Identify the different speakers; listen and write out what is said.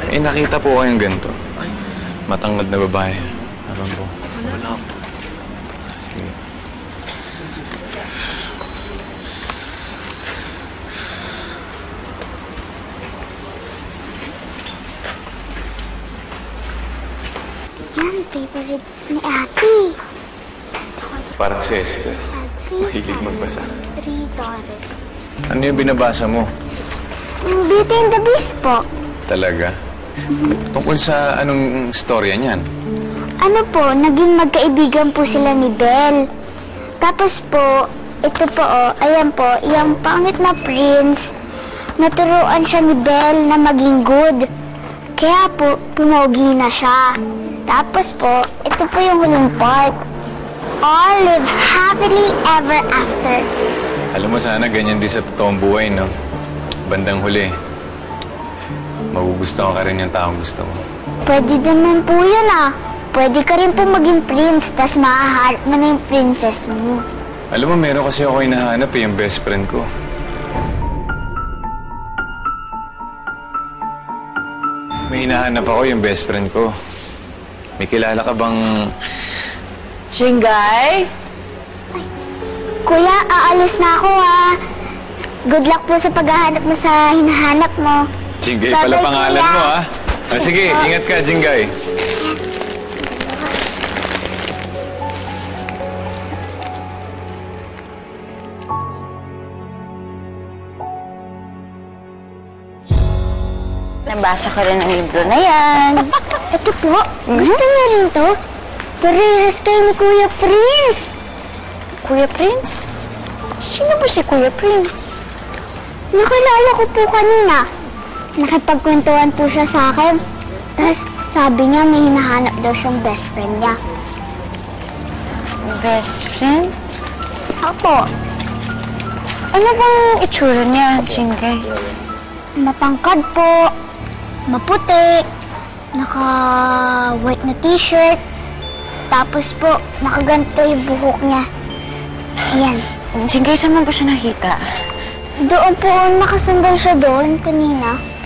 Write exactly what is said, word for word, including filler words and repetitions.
Speaker 1: Eh, nakita po kayong ganito. Matangkad na babae. Alam po.
Speaker 2: Wala po.
Speaker 1: Sige.
Speaker 3: Yan, favorites ni Ate.
Speaker 1: Parang si Esper. Mahilig magbasa.
Speaker 3: Three dollars.
Speaker 1: Ano yung binabasa mo?
Speaker 3: Beauty and the Beast po.
Speaker 1: Talaga? Tungkol sa anong storya niyan?
Speaker 3: Ano po, naging magkaibigan po sila ni Belle. Tapos po, ito po oh, ayan po, yung pangit na prince, naturuan siya ni Belle na maging good. Kaya po, pumogi na siya. Tapos po, ito po yung huling part. All live happily ever after.
Speaker 1: Alam mo, sana ganyan din sa totoong buhay, no? Bandang huli, magugustuhan ka rin yung taong gusto mo.
Speaker 3: Pwede naman po yun ah. Pwede ka rin po maging prince, tas mahaharap mo na yung princess mo.
Speaker 1: Alam mo, meron kasi ako hinahanap eh, yung best friend ko. May hinahanap ako yung best friend ko. May kilala ka bang...
Speaker 4: Shinggay?
Speaker 3: Kuya, aalis na ako ah. Good luck po sa paghahanap mo sa hinahanap mo.
Speaker 1: Jingay
Speaker 3: Bye-bye,
Speaker 1: pala pangalan
Speaker 3: kuya.
Speaker 1: mo, ah. Ah, sige, ingat ka, Jingay.
Speaker 4: Nabasa ko rin ang libro na yan.
Speaker 3: Ito po, gusto niyo rin to? Parehas kayo ni Kuya Prince.
Speaker 4: Kuya Prince? Sino ba si Kuya Prince?
Speaker 3: Nakilala ko po kanina. Nakipagkwentuhan po siya sa akin. Tapos sabi niya may hinahanap daw siyang best friend niya.
Speaker 4: Best friend?
Speaker 3: Ako,
Speaker 4: Ano bang itsura niya, Shinggay?
Speaker 3: matangkad po, maputi, naka-white na t-shirt, tapos po, nakaganto yung buhok niya. Ayan.
Speaker 4: Shinggay, saan mo ba siya nakita?
Speaker 3: Doon po, nakasandal siya doon kanina.